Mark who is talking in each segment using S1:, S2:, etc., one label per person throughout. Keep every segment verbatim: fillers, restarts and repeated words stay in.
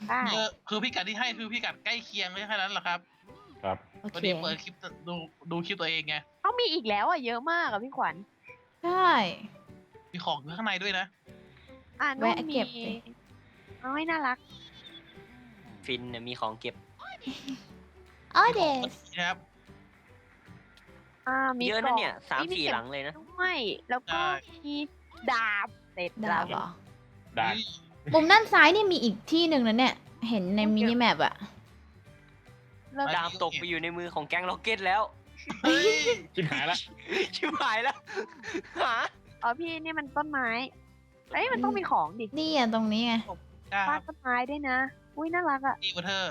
S1: ได้
S2: คือคือพิกัดที่ให้คือพิกัดใกล้เคียงแค่นั้นแหละครับ
S3: ครับ
S1: โอ
S2: พอ
S1: เค
S2: ดีเปิดคลิปดูดูคลิปตัวเองไง
S1: เขามีอีกแล้วอ่ะเยอะมากอ่ะพี่ขวัญ
S4: ใช่
S2: มีของอยู่ข้างในด้วยนะ
S1: อ่านุ่น
S4: แวะ
S1: มี
S4: เก็บสิ
S1: เอาให้น่ารัก
S5: ฟินเนี่ยมีของเก็บ
S4: อ๋อเดส
S2: นะครับ
S1: อ่ามี
S5: เยอะนะเนี่ย
S1: กล่อง
S5: สาม
S1: นี่
S5: สี่
S1: ข็
S5: หลังเลยนะ
S1: ด้วยแล้วก็
S2: ใช่
S1: มีดาบเสร็จ
S4: ดาบเหรอ
S3: ได้
S4: มุมด้านซ้ายนี่มีอีกที่หนึ่งนะเนี่ย เห็นในมินิแมปอะ
S1: แล้ว
S5: ดามตกไปอยู่ในมือของแก๊งล็อกเก็ตแล้ว
S2: เฮ้ย
S3: ชิบหายละ
S5: ชิบหายแล้วหา
S1: อ๋อพี่นี่มันต้นไม้เอ้ยมันต้องมีของดิ
S4: นี่อะตรงนี้ไง
S2: จ้า
S1: บ้านต้นไม้ด้วยนะอุ้ยน่ารักอ่ะ
S2: ดีวอเทอร์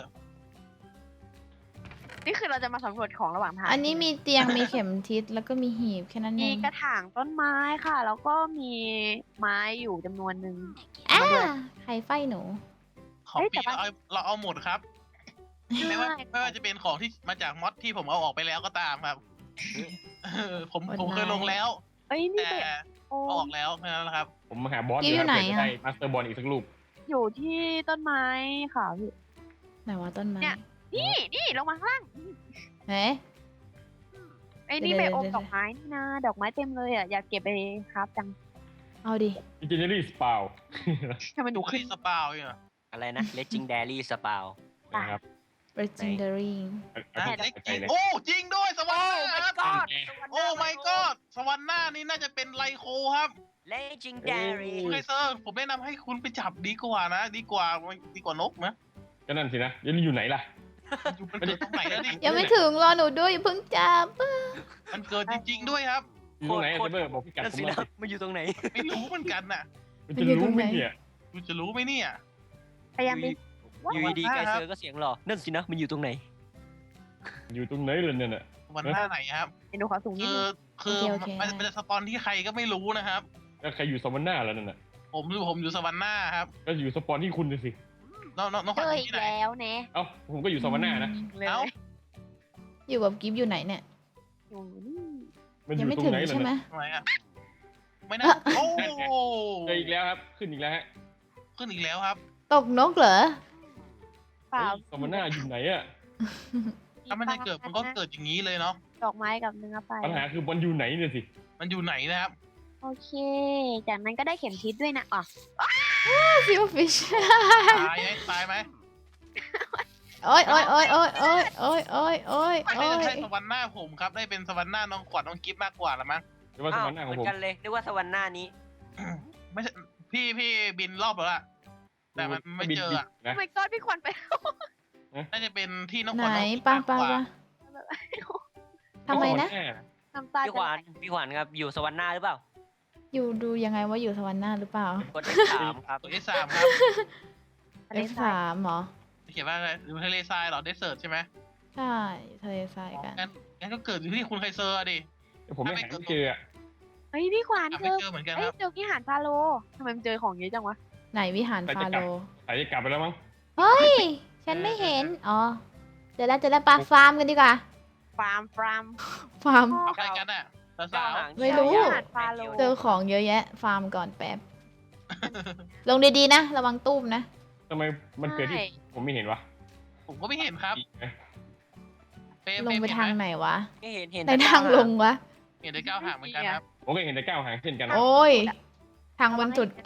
S1: นี่คือเราจะมาสำรวจของระหว่างทาง
S4: อันนี้มีเตียง มีเข็มทิศแล้วก็มีหีบแค่นั้นเอ
S1: มี
S4: ง
S1: กระถางต้นไม้ค่ะ แล้วก็มีไม้อยู่จำนวนหนึ่ง
S4: อ่า
S1: มาด้วย
S4: ใครไฟหนู
S2: ของ
S1: เอ้ยแต่
S2: พี่
S1: ว่า
S2: เราเอาเราเอาหมดครับ ไม่ว่า
S1: ใช่
S2: ไม่ว่าจะเป็นของที่มาจากมอดที่ผมเอาออกไปแล้วก็ตามครับเออผมผมเคยลงแล้ว
S1: เอ้ยนี่
S2: แต่
S1: ไปโอ้
S2: เอาออกแล้วแค่นั้นแหละครับ
S3: ผมมาหาบอส
S4: กิ๊
S3: อยู่
S4: อยู่
S3: ครับ
S4: ไหน
S3: เพื่อจะ
S4: อะ
S3: ได้มาสเตอร์บอลอีกสักลูก
S1: อยู่ที่ต้นไม้ค่ะพี่
S4: ไหนว่าต้นไม้
S1: เนี่ย นี่นี่ลงมาข้างล่าง
S4: เฮ้ย
S1: ไอ้นี่
S4: เดี๋
S1: ไป
S4: ยว
S1: อม
S4: เดี๋ยว
S1: ดอกไม้นี่นะดอกไม้เต็มเลยอ่ะอยากเก็บไปครับจัง
S4: เอาดิ
S3: อินเจเนอรี่สปาว
S1: ทำไมห
S2: ดู
S1: นู
S2: ขึ้
S1: ขึ้
S2: น
S1: น
S2: สปาวอยู่อะ
S5: อะไรนะ legendary spout
S3: นะครับ
S4: legendary
S3: เอาที่
S2: เล็ก
S3: ใจ
S2: จริง
S3: เลย
S2: โอ้จริงด้วยสวรรค์ครับ
S5: god
S2: โอ้ my god สวรรค์หน้านี่น่าจะเป็นไลโคครับ
S5: legendary
S2: คุณไคเซอร์ผมแนะนำให้คุณไปจับดีกว่านะ ดีกว่าดีกว่านกนะ
S3: ก็นั่นสินะยันอยู่ไหนล่ะ
S2: อยู่มันเกิดตรงไหนแล้วดิ
S4: ยังไม่ถึงรอหนูด้วยอย่าเพิ่งจับ
S2: มันเกิดจริง ๆ ด้วยครับ
S3: อยู่ตรงไหนอะเซเบอร์บอกพี่กัด
S5: นั่น
S3: ผม
S5: สิ
S3: หน่
S5: นะ
S3: อยสิ
S5: มันอยู่ตรงไหน
S2: ไม่รู้เหมือนกันน่ะ
S3: มันจะรู้ไหมเนี่ย
S2: คุณจะรู้ไหมเนี่ย
S1: พยายามไป
S5: อยู่ดีๆไกเซอร์ก็เสียงหล่อนั่นสินะ มันอยู่ตรงไหน
S3: อยู่ตรงไหนเลยเนี่ยน่ะ
S2: วันหน้าไหนครับ
S1: เดี๋ยวหนูขอสูงนิด
S2: คือ
S1: นึง
S2: คือมันมันจะสปอนที่ใครก็ไม่รู้นะครับ
S3: แล้วใครอยู่สวรรค์หน้าแล้วนั่นน่ะ
S2: ผมอยู่ผมอยู่สวรรค์หน้าครับ
S3: ก็อยู่สปอนที่คุณน่ะสิ
S2: น้องน้องน้องข
S1: เจ
S2: วัญ
S1: อ
S2: อยู่
S1: อี
S2: ที่
S1: ก
S2: ไหน
S1: แล้วเนะ
S3: เอ้าผมก็อยู่สวรรค์หน้านะ
S1: เลย
S2: เอ้า
S4: อยู่กับกิฟอยู่ไหนเนี่ย
S1: อยู่นี่
S3: มันอ
S4: ยัง
S3: ยู่
S4: ไม่
S3: ตร
S4: ถึ
S3: ง
S4: ง
S3: ไหนล่ะ
S4: ใช่ไหม
S3: น่ะ
S2: ทำไมอ่ะไม่นะโอ้
S3: เจออีกแล้วครับ ขึ้นอีกแล้วฮะ
S2: ขึ้นอีกแล้วครับ
S4: ตกนกเหรอ
S1: เปล่า
S3: เฮ้ยสวรรค์หน้าอยู่ไหนอะ
S2: ถ้ามันจะเกิดมันก็เกิดอย่างนี้เลยเนาะ
S1: ดอกไม้กับเนื้อไป
S3: ปัญหาคือมันอยู่ไหนเนี่ยสิ
S2: มันอยู่ไหนนะครับ
S1: โอเค จากนั้นก็ได้เข็มทิศด้วยนะอ๋อ
S4: ซิลฟิช
S2: ตายไหมตายไหม
S4: โอ้ยโอ้ยโอ้ยโอ้ยโอ้ยโอ้ยโอ้ยโอ้ย
S2: ไม่
S4: โอ้
S2: ใช่
S4: ย
S2: สวรรค์หน้าผมครับ ได้เป็นสวรรค์หน้าน้องขวัญน้องกิฟต์มากกว่าละมั้ง
S3: หรือว่าส
S5: อ้าว
S3: วรรค์หน้า
S5: เห
S3: ขอ
S5: มื
S3: ง
S5: อ
S3: ผม
S5: นกันเลยนึกว่าสวรรค์หน้านี้
S2: ไม่ใช่พี่พี่บินรอบแล้วล่ะ แต่มันไม่เจออะ
S3: นะ
S1: ทำไมก้อนพี่ขวัญไป
S2: น่าจะเป็นที่น้องข
S4: ไหน
S2: วัญน้องกิฟต์
S4: ปัง
S2: มาก
S4: ปัง
S2: กว่า
S4: ปังทำไมนะ
S1: น้ำตา
S5: พี่ขวัญพี่ขวัญครับ อยู่สวรรค์หน้าหรือเปล่า
S4: อยู่ดูยังไงว่าอยู่สวรรค์หน้าหรือเปล่าก
S5: ดเลขสามครับ
S2: ตัว เอส สามครับ
S4: เอฟสามเหรอ
S2: เขียนว่าอะไรอยู่ทะเลทรายเหรอเดสเซิร์ตใช่ไหม
S4: ใช่ทะเลทราย
S2: อ๋อ
S4: กัน
S2: งั้นงั้นก็เกิดอยู่ที่คุณไคเซอร์อะดิ
S3: ผมไม่หาไม่เจออะ
S1: เฮ้ยพี่ขวัญ
S2: หา
S1: เจ
S2: ไม่
S1: อ
S2: เจอเหมือนกัน
S1: เอ้
S2: ค
S1: ย
S2: รับ
S1: เจอวิหารฟาโรห์ทำไมมันเจอของเยอะจังวะ
S4: ไหนวิหารฟาโรห์
S3: สายจะกลับไปแล้วมั้ง
S4: เฮ้ย ฉันไม่เห็น อ๋อเดี๋ยวแล้วเดี๋ยวแล้วปลาฟาร์มกันดีกว่า
S1: ฟาร์มฟาร์ม
S4: ฟาร์ม
S2: เอาใครกันอ่ะสาว
S4: ไม่รู้
S1: วิหารฟาโรห์
S4: เจอของเยอะแยะ ฟาร์มก่อนแป๊บ ลงดีๆนะ ระวังตุ้มนะ
S3: ทำไมมันเกิดที่
S1: ใช่
S3: ผมไม่เห็นวะ
S2: ๆผมก็ไม่เห็นครับ
S3: อีกไหม
S2: เฟรม
S4: ลงไป
S2: เฟรม
S4: ทาง
S2: เห็นไหม
S4: ไหนวะ
S5: ไม่เห็นเห็น
S4: ในทางลงวะ
S2: เห็นได้ก้าวห่างเหมือนกันครับ
S3: ผมก็เห็นแต่ก้าวหางเช่นกันนะ
S4: โอ้ย ทางบนสุด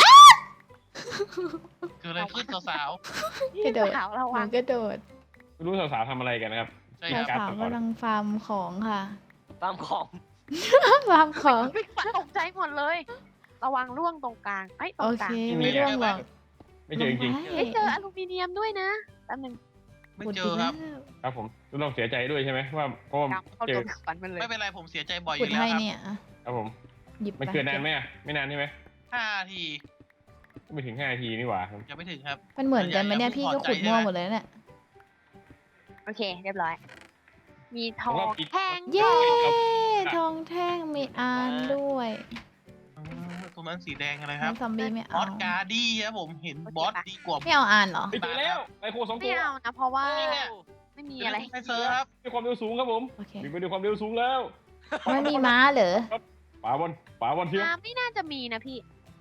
S2: คืออะไรขึ้นสาว
S4: กระโดด
S1: สาวระ
S4: ห
S1: วั
S4: นู
S1: ง
S4: กระโดด
S3: ไม่รู้สาวๆทำอะไรกันนะครับ
S2: ๆใช่
S4: เรา
S2: ครับ
S4: สาวกำลังฟาร์มของค่ะ
S5: ตามของ
S4: ฟาร์มของ
S1: พี่ขวัญตกใจหมดเลย ระวังร่วงตรงกลางไอ้ยตร
S4: โอง
S1: ก
S4: เค
S1: ลาง
S4: ไม่ร่วงหรอก
S3: ไม่เจอจริง
S4: ลง
S1: เอ้ย
S4: ไป
S1: เจออลูมิเนียมด้วยนะแป๊บนึง
S2: ไม่เจอครับ
S3: ๆครับผมต้องเสียใจด้วยใช่ไหมว่าเพราะว่า
S1: กำเข้า
S3: เจ
S1: ตั
S3: อ
S1: วพี่ขวัญมันเลย
S2: ไม่เป็นไรผมเสียใจบ่อยอ
S4: ขุด
S2: ยู่แล้ว
S4: ให้
S2: ครับ
S4: เนี่ยอ่ะ
S3: ครับผม
S4: หยิบไป
S3: มันเกิดนานไหมอะไม่นานใช่ไหม
S2: ห้าที
S3: ไม่ถึงห้านาทีนี่หว่าครับ
S2: ยังไม่ถึงครับ
S4: มันเหมือนกันไหมเนี่ย
S2: อย่า
S4: พี่
S2: อย่า
S4: ก็ขุด
S2: พอใจ
S4: มั่ว
S2: ใช่ไหม
S4: หมดเลยเนี่ย
S1: โอเค เรียบร้อย มีทองแท่ง
S4: เย้ ทองแท่งมีอานด้วย
S2: เออตรงนั้นสีแดงอะไรครับ
S4: น้ำซอมบี้ไม่
S2: บ
S4: เอา
S2: อสการ์ดี้ครับผมเห็นบอสดีกว่า
S4: ไม่เอาอานเหรอ
S3: ไม่เจอแล้วไอโคสองตั
S1: ไม่
S3: ว
S1: เอานะ เพราะว่า
S2: นี่เนี่ย
S1: ไม่มีอะไร
S2: ไคเซอร์ครับ
S3: ด้วยความเร็วสูงครับผม
S4: โอเค
S3: วิ่งไปด้วยความเร็วสูงแล้ว
S4: ไม่มีม้าเหรอ
S3: ป่าบอลป่าบอลเทียม
S1: น้ำไม่น่าจะมีนะพี่
S2: ต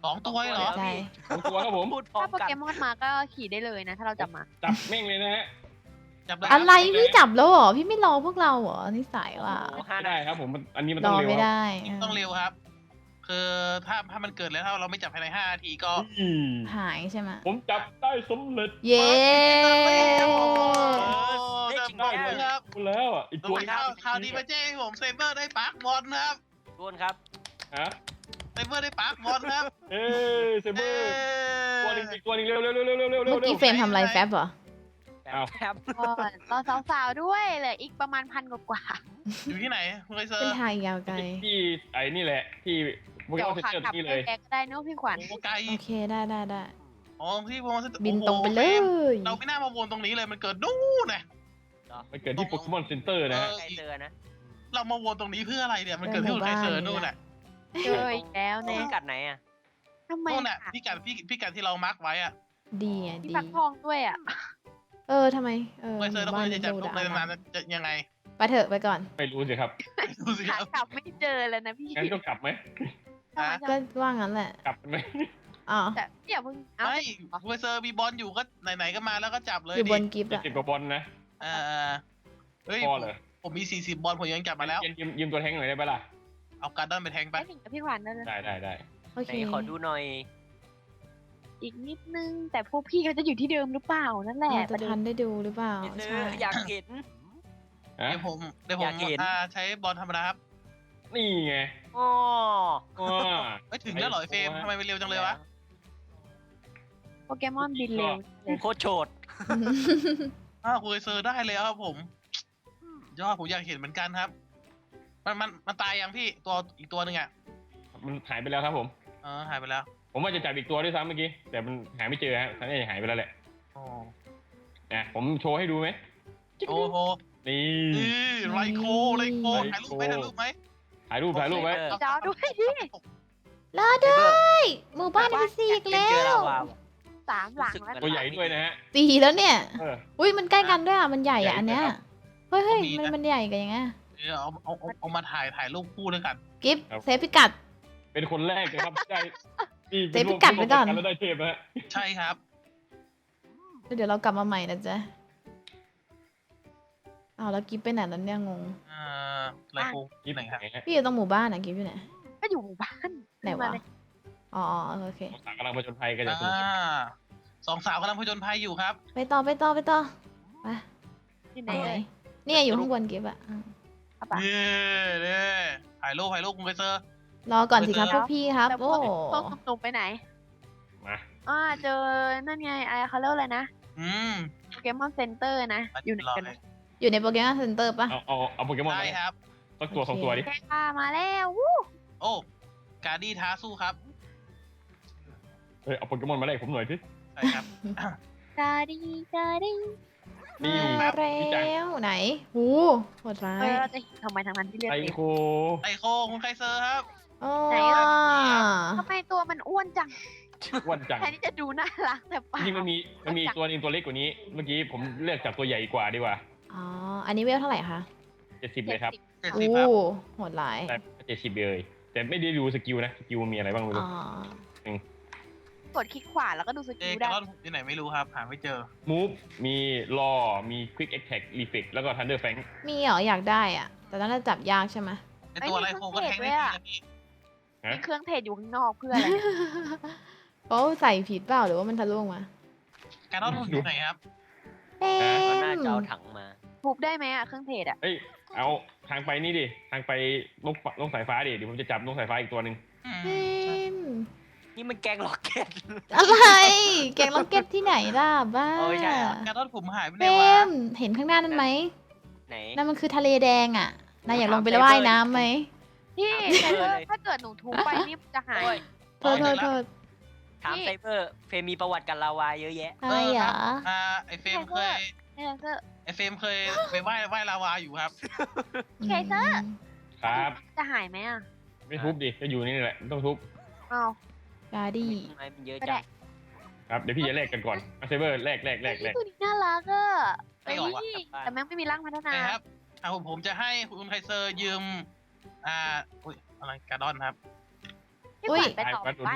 S2: สองตัวเหรอ
S4: ใช่
S3: สองตัวครับผม
S5: พูดพร้อ
S1: ถ้าม โป
S5: กัน
S1: เกมอนมาก็ขี่ได้เลยนะ ถ้าเราจับมา
S3: จับแม่งเลยนะฮะ
S2: จับได้
S4: อะไรพี่จับแล้วเหรอพี่ไม่รอพวกเราเหรอนิสัยว่ะ
S5: โอ้โหห้า
S3: ไม่
S5: นา
S3: ได้
S5: ที
S3: ครับผมมันอันนี้มัน
S4: ร
S3: ต้อง
S4: อ
S3: เร็ว
S4: ไม่
S3: ครับ
S4: ได้
S2: ต้องเร็วครับ คือถ้าถ้ามันเกิดแล้วถ้าเราไม่จับภายในห้านาทีก็
S3: อืม
S4: หายใช่ไหม
S3: ผมจับได้สำเร็จ
S4: เย้
S2: โอ้
S5: ได้
S2: จับ
S5: จริง
S2: ได้
S5: แน่
S2: เลยครับ
S3: พูดแล้วอ่ะอีก
S2: ตั
S3: ตัว ว
S2: ข่าวข่าวดีมาแจ้งให้ผมเซเบอร์ได้ปาร์คบอลนะครับ
S5: ทุกคนครับ
S3: ฮะ
S2: เซเบอร์ได้ปาร์คบอลครับ
S3: เอ้ยเซเบอ
S2: เอ้
S3: ร์ตัวหนึงอีกตัวหนึงเร็วเร็วเร็วเร็วเร็วเร็วเร็
S4: เมื่
S3: ว
S4: อกี้เฟรมทำอะไรแฟบเหรอ
S3: อ้าว
S5: แป๊บ
S1: ก่อนรอสาวๆด้วยเหลืออีกประมาณพันกว่า
S2: อยู่ที่ไหนคุณไคเซอ
S4: เป็น
S2: ร์
S4: ทางยาวไกล
S3: ที่ไอ้นี่แหละที่โป
S1: ๆ
S3: เก
S1: เดี๋ย
S3: ม
S1: ว
S3: อนเซ็น
S1: ขา
S3: เตอร์
S1: กลับ
S3: นี่
S1: ไป
S3: เลย
S1: แกก็ได้เนอะพี่ขวัญ
S2: โอ้ไกล
S4: โอเคได้ได้ได้
S2: อ๋อที่วงเซ็นเตอร์
S4: บินตรงไปเลย
S2: เราไม่น่ามาวนตรงนี้เลยมันเกิดนู่นนะ
S3: มันเกิดที่โปเกมอนเซ็นเตอร์นะฮะ
S5: ใครเจอนะ
S2: เรามาวนตรงนี้เพื่ออะไรเนี่ยมันเกิดที่คุณไคเซอร์นู่นน่ะ
S1: เจออีกแล้ว
S5: นี่
S1: เนี่ย
S5: กัดไหนอ่ะ
S1: ทำไม
S2: นู่นน่ะ
S1: อะ
S2: พี่กัดพี่พี่กัดที่เรามาร์กไว้อะ
S4: ดีอ่ะ
S1: มี
S4: ดี
S1: ฟักทองด้วยอ่ะ
S4: เออทำไมเออ
S2: ไคเซอร์แล้ว
S4: บ้า
S2: คุ
S4: น
S2: ณจะจับ
S4: ดู
S2: ลูก
S4: ดา
S2: ในนานๆจะยังไง
S4: ไปเถอะไปก่อน
S3: ไม่รู้สิครับ
S2: ดูสิค
S1: ขา
S2: รับ
S1: กลับไม่เจอเลยนะพี่
S3: งั้นก็กลับไหม
S1: ทำไม
S4: ก็
S1: จะ
S4: ว่างั้นแหละ
S3: กลับไหม
S4: อ๋อ
S1: แต่อย่าเพิ่งเอา
S2: ไม่คุณไคเซอร์มีบอลอยู่ก็ไหนๆก็มาแล้วก็จับเลย
S4: อยู่บ
S2: ดิ
S4: นกิฟต์
S3: เจ็ด
S4: อะ
S3: สิบกว่าบอลนะ
S2: เออเฮ้ย
S3: พอเหรอ
S2: ผมมีสี่สิบบอลผมยังจับมาแล้ว
S3: ยืมยืมยืมตัวแทงหน่อยได้ไหมล่ะ
S2: เอาการ์ดอนไปแทงไป
S1: ได้หนึ่งกับพี่ขวัญนั่นเลย
S3: ได้ได้ได้
S4: โอ
S5: ไห
S4: เคน
S5: ขอดูหน่อย
S1: อีกนิดนึง แต่พวกพี่เขาจะอยู่ที่เดิมหรือเปล่านั่นแหละ
S4: เรา
S1: ป
S4: จะ
S1: ระเด็
S4: ทั
S1: น
S4: นได้ดูหรือเปล่า
S5: พี่ซื้อ
S4: ใช่
S5: อยากเห็น
S3: ฮะ
S2: เดี๋ยวผมเดี๋ยวผ
S5: อยาม กเห็น
S2: อ่าใช้บอลธรรมดาครับ
S3: นี่ไง
S5: อ๋อ
S3: ว้า
S2: ไม่ถึงแล้วเหรอไอ้เฟรมทำไมมันเร็วจังเลยวะ
S1: โปเกมอนบินเร็วเลย
S5: โคตรโฉด
S2: อ้าวคุณไคเซอร์ได้แล้วครับผมยอดผมอยากเห็นเหมือนกันครับ มันมันมันตายยังพี่ตัวอีกตัวหนึ่งอ่ะ
S3: มันหายไปแล้วครับผม
S2: เออหายไปแล้ว
S3: ผมว่าจะจับอีกตัวด้วยซ้ำเมื่อกี้ แต่มันหาไม่เจอฮะท่านนี่หายไปแล้วแหละ
S2: โอ้
S3: นะผมโชว์ให้ดูไหม
S2: โอ้โห
S3: นี่
S2: นี่ไรโคไรโคถ่ายรูปไหมถ่ายรูปไหม
S3: ถ่ายรูปถ่ายรูปไว้
S5: เออ
S1: จอด้วยดิ
S4: รอด้วยหมู่บ้านมีสี่อีก
S5: เป็น
S4: แล้
S5: เจอ
S4: ว
S5: ลาวาว่ะ
S1: สามหลังแล้ว
S3: ตัวใหญ่ด้วยนะฮะ
S4: สี่แล้วเนี่ย
S3: เออ
S4: อุ้ยมันใกล้กันด้วยอ่ะมันใหญ่อ่ะอันเนี้ย
S3: ใหญ่ครับ
S4: เฮ้ยเฮ้ยมันมันใหญ่กันยังไง
S2: เดี๋ยวเอาเอาเอาเอามาถ่ายถ่ายรูปคู่ด้วยกัน
S4: กิฟต์เซฟพิกัด
S3: เป็นคนแรกนะครับได้นี่
S4: เซฟพิกัดไว้ก่อน
S3: แล้วได้เทปนะฮะ
S2: ใช่ครับ
S4: แล้วเดี๋ยวเรากลับมาใหม่นะจ๊ะอ้าวแล้วกิฟต์ไปไหนแล้วเนี่ยงง
S2: เอ่อไรโคที่ไหนครับ
S3: ฮะ
S4: พี่อยู่ตรงหมู่บ้านอ่ะกิฟต์อยู่ไหน
S1: ก็อยู่หมู่บ้าน
S4: ไหนวะอ๋อโอเค
S3: สาวกำลังผจญภัยกันอย่างสนุก
S2: อ่าสองสาวกำลังผจญภัยอยู่ครับ
S4: ไปต่อไปต่อไปต่อไป
S1: ที่ไหน
S4: ไปไหน
S1: เลย
S4: เนี่ยอยู่ข้างบนกิฟต์อ่ะอืม
S1: เอาปะ
S2: นี่นี่ถ่ายรูปถ่ายรูปคุณไคเซอร์
S4: รอก่อนสิครับ
S2: ไปเจอ
S4: พวกพี่ครับ
S1: แต่พ
S4: โอ้
S1: วกพวกหนุ่มๆไปไหน
S3: มา
S1: อ่าเจอนั่นไงไอเขาเรียกอะไรนะ
S2: อืม
S1: โปเกมอนเซ็นเตอร์นะ อยู่ไหนกัน
S2: เล
S1: นะ
S2: ย
S4: อยู่ในโปเกมอนเซ็นเตอร์ปะ
S3: เอาเอาเอาโปเกมอน
S2: ได้
S3: มา
S2: ครับ
S3: สักตัวสองตัวดิ
S1: แกพามาแล้ววู้
S2: โอ้การดี้ท้าสู้ครับ
S3: เฮ้ยเอาโปเกมอนมาแลกผมหน่อยสิ
S2: ใช่ครับ
S1: กาดีกาดี
S3: นี่
S4: มา
S3: ครับ
S4: แล้
S3: พี่จัง
S4: วไหนหูโหดร้า
S1: เอย อเราจะเห็นทำไมทางนั้นที่เรียก
S3: ไอ
S1: เด็ก
S3: โค
S2: ไอโคคุณไคเซอร์ครับ
S4: โอ้
S1: ไหนอะ ทำไมตัวมันอ้วนจัง
S3: อ้วันจัง
S1: แทนที่จะดูน่ารักแต่เปล่า
S3: จริงๆมันมีมันมีตัวหนึงตัวเล็กกว่านี้ เมื่อกี้ผมเลือกจับตัวใหญ่กว่าดีกว่า
S4: อ๋อ อันนี้เวลเท่าไหร่คะ
S3: เจ็ดสิบเลยครับ
S2: เจ็ด
S4: โอ้
S2: สิบครับ
S4: โหดร้าย
S3: แต่เจ็ดสิบเลย แต่ไม่ได้ดูสกิลนะ สกิลมีอะไรบ้างไม่
S4: อ๋
S3: รู้
S4: อ
S1: กดคลิกขวาแล้วก็ดูส
S2: เอ
S1: กิล
S2: กา
S1: ได้
S2: ลอนผมที่ไหนไม่รู้ครับ หาไม่เจอ
S3: มูฟมีรอมีควิกแอคแท็กรีเฟกแล้วก็ทันเดอร์แฟง
S4: มีเหรออยากได้อ่ะ แต่ต้องจับยากใช่ไหม
S2: ไอตัวไลโคก็แทงได้ดีนะพี่
S1: มีเครื่องเทรดอยู่ข้างนอกเพื่ออะไรเนี่ย
S4: เขาใส่ผิดเปล่าหรือว่ามันทะลุออกมา
S2: การลอนผมอยู่ไหนครับ
S4: เต็
S5: ก็น่าจะเอา
S4: ม
S5: ถังมา
S1: ทุบได้ไหมอะเครื่องเทรดอะ
S3: เอ้ย เอาทางไปนี่ดิ ทางไปนกฟนกสายฟ้าดิ เดี๋ยวผมจะจับนกสายฟ้าอีกตัวหนึ่ง
S2: อืม
S4: เต็ม
S5: นี่มันแกงล็อกเก็ต
S4: อะไร แกงล็อกเก็ตที่ไหนล่ะบ้า
S5: เออใช่เหรอ
S2: การลอนผมหายไปไหน
S4: เต็
S2: วะ
S4: มเห็นข้างหน้านั้นไหม
S5: ไหน
S4: นั่นมันคือทะเลแดงอ่ะ นายอยากลงไปว่ายน้ำไหม
S1: พี่
S5: ถาม
S1: แต่
S5: เพื่อนเลย
S1: ถ้าเกิดหนูทุบไปนี่จะหาย
S5: โอ้ย
S4: โทษโทษโทษ
S5: ถามไซเบอร์เฟรมมีประวัติกับลาวาเยอะแยะ
S4: อะไรเหรอ
S2: อ่าไอเฟรมเคย
S1: เคเซอร์
S2: ไอเฟรมเคยไปว่ายว่ายลาวาอยู่ครับ
S1: เคเซอร์
S3: ครับ
S1: จะหายไหมอะ
S3: ไม่ทุบดิ จะอยู่นี่แหละไม่ต้องทุบ
S1: อ้าว
S4: กาดี้
S5: ทำไมมันเยอะ
S1: ก็
S5: จั
S1: ได้
S5: ง
S3: ครับ เดี๋ยวพี่จะแลกกันก่อนมาเซเบอร์แลกแลกแลกแลก
S1: ตัวนี้น่ารักอะ
S2: ไม่ออกว่ะ
S1: เฮ้ยแต่แม่งไม่มีร่างพัฒนา
S2: นะครับอ่าผมผมจะให้คุณไคเซอร์ยืม อ่า อุ้ย อะไรการดอนครับ
S1: พี่ขวัญไปต่อบ้านไหม